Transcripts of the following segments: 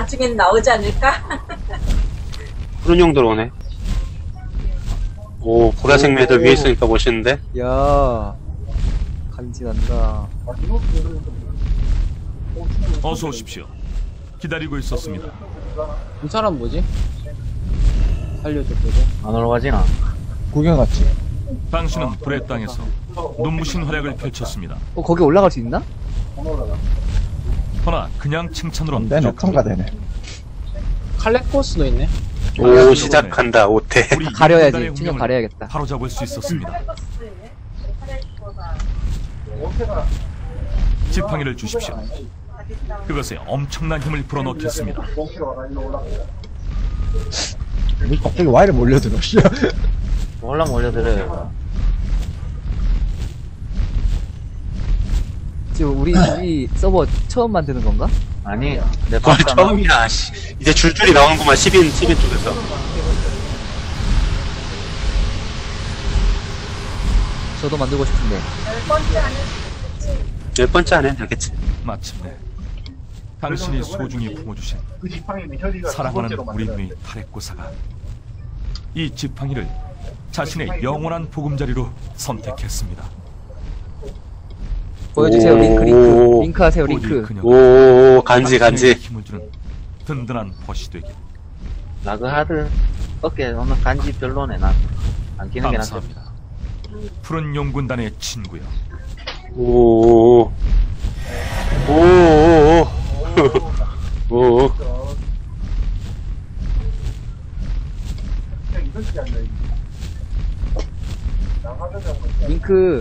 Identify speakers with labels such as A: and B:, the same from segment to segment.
A: 나중엔 나오지 않을까?
B: 푸른 용도로 오네. 오, 보라색 매들 위에 있으니까 멋있는데?
C: 야 간지난다.
D: 어서 오십시오. 기다리고 있었습니다.
E: 이 사람 뭐지? 살려줬거든.
F: 안 올라가지나?
G: 구경 갔지.
D: 당신은 불의 땅에서 눈부신 활약을 펼쳤습니다.
C: 거기 올라갈 수 있나?
D: 허나 그냥 칭찬으로는
G: 되네,
D: 부족합니다.
G: 통과되네.
E: 칼레코스도 있네.
B: 오, 시작한다, 오태.
D: 우리
C: 가려야지.
D: 인간의
C: 춘영
D: 운명을
C: 가려야겠다.
D: 바로잡을 수 있었습니다. 지팡이를 주십시오. 그것에 엄청난 힘을 불어넣겠습니다.
G: 왜 갑자기 와이를 몰려들어, 씨.
F: 올라면 올려드려요.
C: 지금 우리 서버 처음 만드는 건가?
F: 아니, 내
B: 와,
F: 방금
B: 처음이야, 씨. 이제 줄줄이 나오는구만, 10인 쪽에서.
C: 저도 만들고 싶은데.
B: 10번째 안에 되겠지.
D: 마침내 당신이 소중히 품어주신 사랑하는 우리 누이 타레코사가 이 지팡이를 자신의 영원한 보금자리로 선택했습니다.
C: 보여주세요. 링크 하세요.
D: 부디
C: 링크.
D: 그녀가
B: 오, 간지.
D: 당신에게 힘을 주는 든든한 벗이 되길.
F: 라그하드 어깨 오늘 간지 별로네. 난 안 끼는 게 낫지.
D: 감사합니다. 푸른 용군단의 친구여.
B: 오, 오.
C: 링크.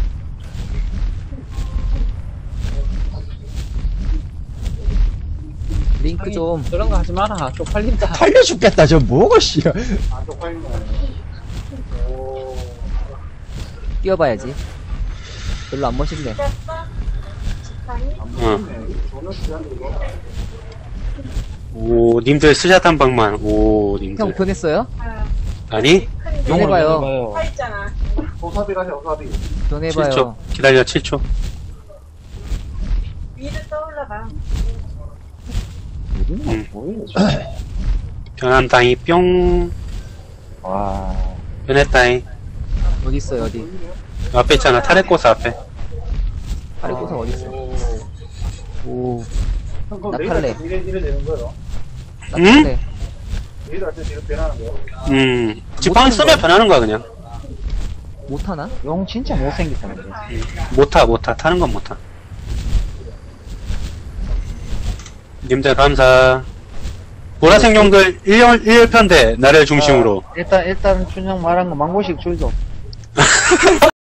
C: 링크 좀.
E: 그런 거 하지 마라. 쪽팔린다.
G: 팔려 죽겠다, 저 뭐고, 씨.
C: 뛰어봐야지. 별로 안 멋있네.
B: 오, 님들 스샷 한 방만. 오, 님들.
C: 형 변했어요?
B: 아니?
C: 변해봐요.
A: 화 있잖아.
C: 변해봐요.
B: 7초. 기다려, 7초.
A: 위로 떠올라봐.
B: 변한다이, 뿅.
F: 와.
B: 변했다이.
C: 어디 있어요? 어디?
B: 앞에 있잖아, 타레코스 앞에.
C: 아래고사 어디 있어? 오. 나팔레. 나팔레.
B: 지팡이 쓰면 변하는 거야, 그냥.
C: 못하나?
F: 용 진짜 못생겼다, 근데.
B: 못 타. 타는 건 못 타. 님들 감사. 보라색 용들 1편대, 나를 중심으로.
F: 일단 춘영 말한 거 망고식 줄도.